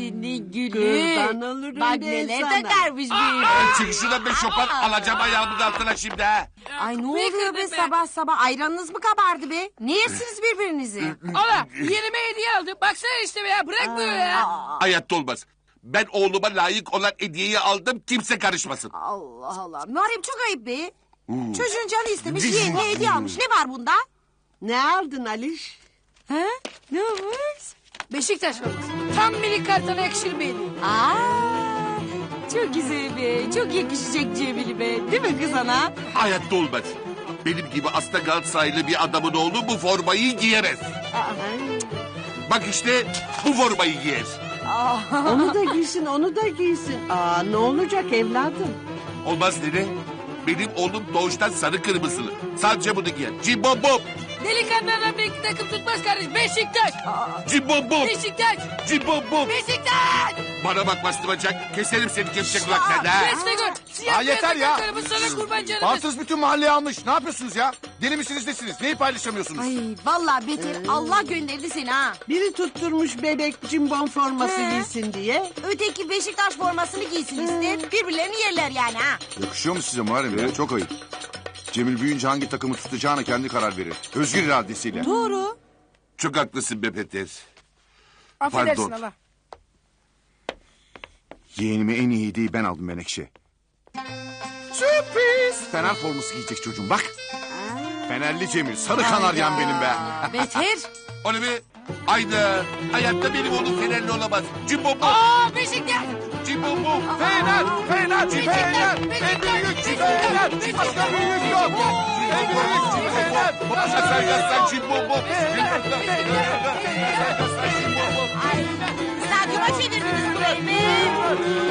senin gülü. Kurban olurum Bak ben neler sana. takarmış benim. Çık şuradan be şopar, alacağım ayağımın altına şimdi ha. Ay ne oluyor be sabah sabah? Ayranınız mı kabardı be? Ne yersiniz birbirinizi? Ala yerime hediye aldı. Baksana işte be ya bırakmıyor ya. Hayatta olmaz. Ben oğluma layık olan hediyeyi aldım, kimse karışmasın. Allah Allah. Muharrem çok ayıp be. Çocuğun canı istemiş, yeğenine hediye almış. Ne var bunda? Ne aldın Aliş? Ha? Ne olmuş? Beşiktaş forması. Tam minik kartona yakışır bir hediye. Aa, çok güzel be. Çok yakışacak Cemil be. Değil mi kız ana? Hayatta olmaz. Benim gibi asla Galatasaraylı bir adamın oğlu bu formayı giyemez. Bak işte bu formayı giyer. Onu da giysin, onu da giysin. Ne olacak evladım? Olmaz nene. Benim oğlum doğuştan sarı kırmızılı. Sadece bunu giyer. Cimbom bom. Delikanlı adam bir iki takım tutmaz kardeş. Beşiktaş. Cimbom bom. Beşiktaş. Cimbom bom. Beşiktaş. Bana bak bastıracak. Keserim seni kepçe kulaklarına ha. Resme gör. Siyah yeter beyaz ya. takımlarımız sana kurban canımız. Bartız bütün mahalleyi almış. Ne yapıyorsunuz ya? Deli misiniz nesiniz? Neyi paylaşamıyorsunuz? Ay vallahi beter Allah gönderdi seni ha. Biri tutturmuş bebek cimbom forması giysin diye. Öteki Beşiktaş formasını giysin ister. Birbirlerini yerler yani ha. Yakışıyor mu size Muharrem ya? Çok ayıp. Cemil büyüyünce hangi takımı tutacağına kendi karar verir. Özgür iradesiyle. Doğru. Çok haklısın be Peter. Affedersin Pardon. Allah. Yeğenime en iyi hediyeyi ben aldım Menekşe. Sürpriz! Fener forması giyecek çocuğum bak. Fenerli Cemil. Sarı kanaryan benim be. Beter. O ne be? Ayda. Hayatta benim oğlum Fenerli olamaz. Cimbom bom. Aa Beşiktaş. Cimbom bom. Fener! Fener! Fener! En büyük Fener! Başka büyük yok! En büyük Fener! Sen yazsan cimbom bom. Ay, stadyuma çevirdiniz burayı be.